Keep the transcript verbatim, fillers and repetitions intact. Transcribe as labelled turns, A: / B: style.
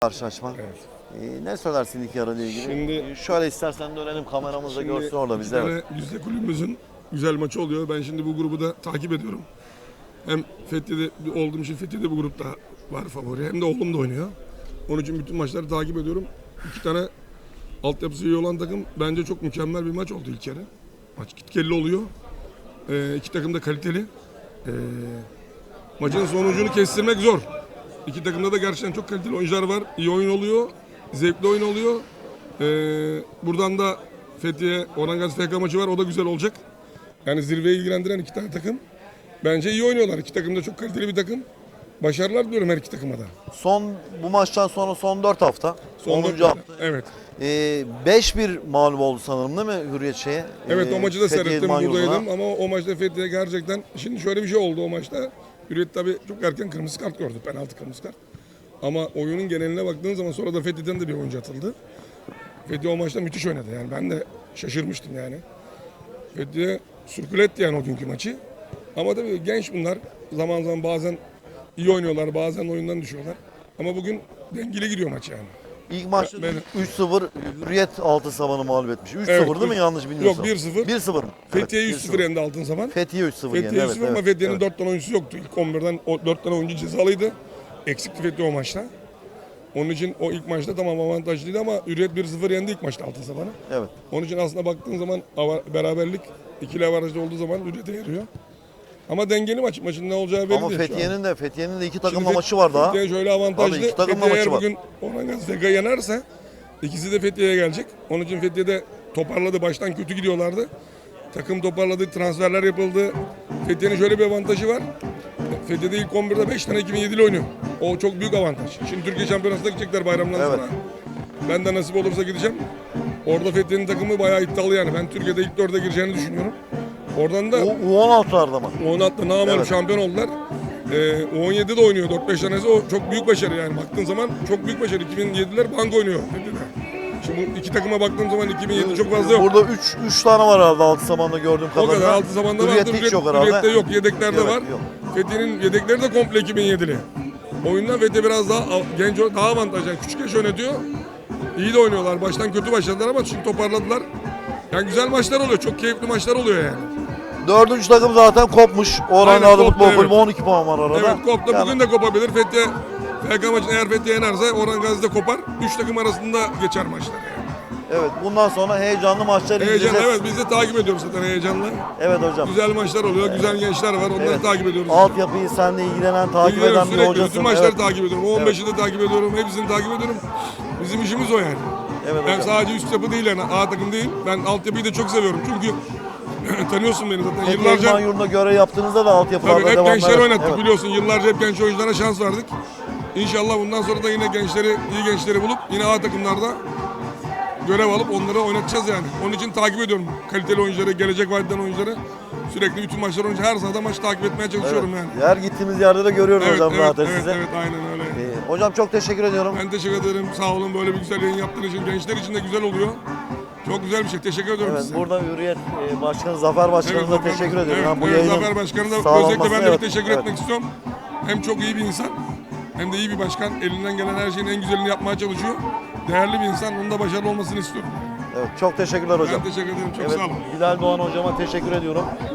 A: Karşılaşma.
B: Evet.
A: Ee, ne söylersin ilk yarı ile ilgili?
B: Şimdi-
A: Ee, Şöyle istersen dönelim, kameramız da
B: Şimdi
A: görsün orada
B: iki
A: bizi. Evet.
B: tane Düzce kulübümüzün güzel maçı oluyor. Ben şimdi bu grubu da takip ediyorum. Hem Fethiye'de olduğum için Fethiye'de bu grupta var favori. Hem de oğlum da oynuyor. Onun için bütün maçları takip ediyorum. İki tane altyapısı iyi olan takım bence çok mükemmel bir maç oldu ilk yarı. Maç gitgelli oluyor. Ee, iki takım da kaliteli. Ee, maçın sonucunu kestirmek zor. İki takımda da gerçekten çok kaliteli oyuncular var. İyi oyun oluyor. Zevkli oyun oluyor. Ee, buradan da Fethiye Orhan Gazi F K maçı var. O da güzel olacak. Yani zirveyi ilgilendiren iki tane takım. Bence iyi oynuyorlar. İki takım da çok kaliteli bir takım. Başarılar diliyorum her iki takıma da.
A: Son bu maçtan sonra son dört hafta.
B: Son
A: onuncu
B: dört-
A: hafta.
B: Evet.
A: Ee, beş bir mağlup oldu sanırım değil mi Hürriyet şeye?
B: Evet
A: Ee,
B: o maçı da
A: Fethiye
B: seyrettim,
A: İdman Yurdu'na.
B: buradaydım ama o maçta Fethiye gerçekten, şimdi şöyle bir şey oldu o maçta. Hürriyet tabii çok erken kırmızı kart gördü, penaltı kırmızı kart. Ama oyunun geneline baktığın zaman sonra da Fethiye'den de bir oyuncu atıldı. Fethiye o maçta müthiş oynadı yani, ben de şaşırmıştım yani. Fethiye sürküle etti yani o günkü maçı. Ama tabii genç bunlar, zaman zaman bazen iyi oynuyorlar, bazen oyundan düşüyorlar. Ama bugün dengeli gidiyor maç yani.
A: İlk maçta
B: Ben-
A: üç sıfır Hürriyet altın sabanı mağlup etmiş. üç sıfır
B: Evet,
A: değil mi,
B: üç-
A: yanlış bilmiyorsam?
B: Yok, bir sıfır.
A: bir sıfır mı?
B: Fethiye
A: Evet,
B: üç sıfır yendi altın zaman.
A: Fethiye üç sıfır yendi.
B: Fethiye
A: Evet,
B: üç sıfır ama
A: evet,
B: Fethiye'nin
A: evet.
B: dört tane oyuncusu yoktu. İlk on birden o dört tane oyuncu cezalıydı. Eksikti Fethiye o maçta. Onun için o ilk maçta tamam avantajlıydı ama Hürriyet bir sıfır yendi ilk maçta altın sabanı.
A: Evet.
B: Onun için aslında baktığın zaman ava- beraberlik ikili avarajda olduğu zaman Hürriyet'e yarıyor. Ama dengeli maç. Maçın ne olacağı belli
A: Ama
B: değil şu an.
A: Fethiye'nin de Fethiye'nin de iki takımla
B: Şimdi
A: maçı var daha.
B: Fethiye şöyle avantajlı.
A: Tabii, iki takımla
B: Fethiye eğer
A: maçı var.
B: bugün Orhan Gazi F K yenerse ikisi de Fethiye'ye gelecek. Onun için Fethiye'de toparladı. Baştan kötü gidiyorlardı. Takım toparladı. Transferler yapıldı. Fethiye'nin şöyle bir avantajı var. Fethiye'de ilk on birde beş tane iki bin yedili oynuyor. O çok büyük avantaj. Şimdi Türkiye Şampiyonası'na gidecekler bayramdan
A: Evet.
B: sonra. Ben de nasip olursa gideceğim. Orada Fethiye'nin takımı bayağı iddialı yani. Ben Türkiye'de ilk dörde gireceğini düşünüyorum. Oradan da
A: U on altılarda mı?
B: on altıda namağlup
A: Evet.
B: şampiyon oldular. Ee, U on yedide oynuyor dört beş tanesi. O çok büyük başarı yani. Baktığın zaman çok büyük başarı. iki bin yediler bank oynuyor. Şimdi bu iki takıma baktığım zaman iki bin yedi çok fazla yok.
A: Burada üç üç tane var herhalde altı zamanda gördüğüm
B: O
A: kadarıyla.
B: kadar altı zamanda vardı.
A: Hürriyet'te hiç yok herhalde.
B: Hürriyet'te yok. Yedeklerde
A: Evet,
B: var.
A: yok.
B: Fethiye'nin yedekleri de komple iki bin yedili. Oyundan Fethiye biraz daha av- genç, daha avantajlı. Yani küçük yaş yönetiyor. İyi de oynuyorlar. Baştan kötü başladılar ama şimdi toparladılar. Yani güzel maçlar oluyor. Çok keyifli maçlar oluyor yani.
A: Dördüncü takım zaten kopmuş. Orhan
B: Aynen,
A: Gazi
B: koptu,
A: Futbol
B: evet.
A: Kulübü on iki puan var arada.
B: Evet koptu.
A: Yani
B: Bugün de kopabilir. Fethiye F K maçını eğer Fethiye yenerse Orhan Gazi de kopar. Üç takım arasında geçer maçlar yani.
A: evet, bundan sonra heyecanlı maçlar
B: Heyecan,
A: izleyeceğiz.
B: evet biz de takip ediyoruz zaten heyecanla.
A: Evet hocam.
B: Güzel maçlar oluyor. Güzel gençler var. Onları
A: Evet.
B: takip ediyoruz.
A: Altyapıyı seninle ilgilenen, takip
B: İlgileniyorum
A: eden bir
B: sürekli.
A: hocasın.
B: Bütün maçları
A: Evet.
B: takip ediyorum. on beşi de takip ediyorum. Hepsini takip ediyorum. Bizim işimiz o yani.
A: Evet
B: Ben
A: hocam.
B: sadece üst yapı değil yani. A takım değil. Ben altyapıyı da çok seviyorum. Çünkü tanıyorsun beni zaten.
A: Fethiye
B: Yıllarca
A: İdman Yurdu'na göre yaptığınızda da
B: tabii
A: altyapılarda
B: hep
A: devamlı.
B: gençler
A: Evet,
B: oynattık
A: evet.
B: biliyorsun. Yıllarca hep genç oyunculara şans verdik. İnşallah bundan sonra da yine gençleri, iyi gençleri bulup yine A takımlarda görev alıp onları oynatacağız yani. Onun için takip ediyorum kaliteli oyuncuları, gelecek vadeden oyuncuları. Sürekli bütün maçlar oyuncu her sahada maç takip etmeye çalışıyorum
A: Evet.
B: yani.
A: Her gittiğimiz yerde de görüyoruz
B: Evet,
A: hocam
B: evet,
A: zaten
B: evet,
A: size.
B: evet, aynen öyle.
A: Ee, hocam çok teşekkür ediyorum.
B: Ben teşekkür ederim. Sağ olun böyle bir güzel yayın yaptığın için. Gençler için de güzel oluyor. Çok güzel bir şey. Teşekkür ediyorum
A: Evet,
B: size.
A: burada Hürriyet e, Başkanı Zafer Başkanımıza
B: Zafer-
A: teşekkür ediyorum.
B: Evet,
A: Yani bu
B: evet,
A: yayının
B: Zafer Başkanı'na da
A: sağlanması-
B: özellikle ben de
A: evet,
B: bir teşekkür
A: evet.
B: etmek istiyorum. Hem çok iyi bir insan hem de iyi bir başkan. Elinden gelen her şeyin en güzelini yapmaya çalışıyor. Değerli bir insan. Onun da başarılı olmasını istiyorum.
A: Evet, çok teşekkürler hocam.
B: Ben teşekkür ederim. Çok
A: Evet,
B: sağ olun.
A: Bilal Doğan hocama teşekkür ediyorum.